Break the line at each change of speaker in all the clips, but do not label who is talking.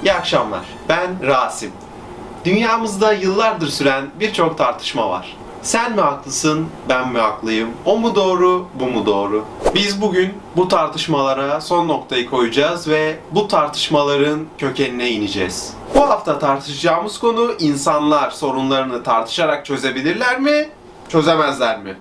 İyi akşamlar. Ben Rasim. Dünyamızda yıllardır süren birçok tartışma var. Sen mi haklısın, ben mi haklıyım? O mu doğru, bu mu doğru? Biz bugün bu tartışmalara son noktayı koyacağız ve bu tartışmaların kökenine ineceğiz. Bu hafta tartışacağımız konu insanlar sorunlarını tartışarak çözebilirler mi, çözemezler mi?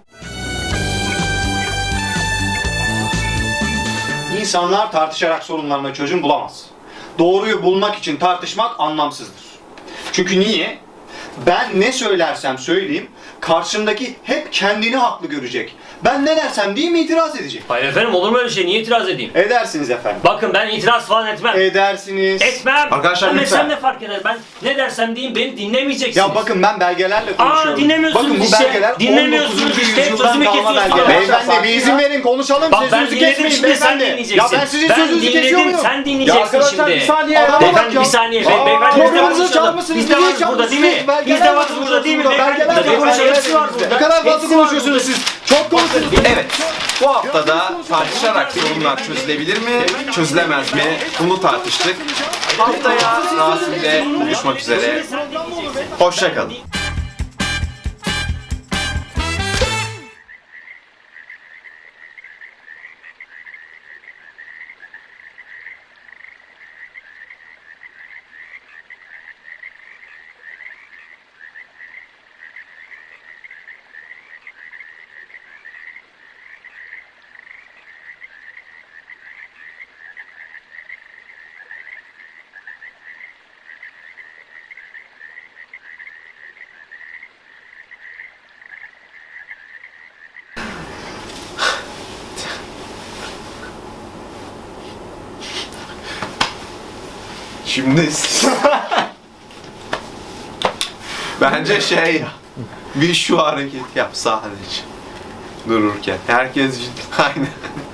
İnsanlar tartışarak sorunlarına çözüm bulamaz. Doğruyu bulmak için tartışmak anlamsızdır. Çünkü niye? Ben ne söylersem söyleyeyim, karşımdaki hep kendini haklı görecek. Ben ne dersem diyeyim itiraz edecek.
Hayır efendim, olur mu öyle şey? Niye itiraz edeyim?
Edersiniz efendim.
Bakın ben itiraz falan etmem.
Edersiniz.
Etmem.
Arkadaşlar
Ben
lütfen.
etsem ne fark eder? Ben ne dersem diyeyim, beni dinlemeyeceksiniz.
Ya bakın ben belgelerle konuşuyorum.
Dinlemiyorsunuz
Bakın bu
işte.
belgeler
Dinlemiyorsunuz
19.
işte.
yüzyıldan
Sözümü
kalma
kesiyorsunuz.
belgeler.
Arkadaşlar,
Beyefendi bir izin verin konuşalım.
Bak ben
Sözünüzü
dinledim,
kesmeyin
şimdi sen
beyefendi.
dinleyeceksin.
Ya ben sizin
Ben
sözünüzü kesiyor
dinledim,
muyum?
sen
Ya
dinleyeceksin
arkadaşlar
şimdi.
bir saniye adama bak
Beyefendi
ya.
bir saniye.
Aa,
Beyefendi biz de
programınızı
konuşalım.
çalmışsınız,
Biz de
niye
varız burada değil mi?
çalmışsınız?
Biz de varız burada değil mi? Beyefendi biz de konuşalım. Hepsi var burada.
Ne kadar fazla
Hepsi var
konuşuyorsunuz siz. Çok konuşuyorsunuz.
Evet, bu haftada tartışarak sorunlar çözülebilir mi, çözülemez mi? Bunu tartıştık. Haftaya Rasim'le buluşmak üzere. Hoşça kalın. Şimdi bence bir şu hareket yap sadece dururken. Herkes aynen.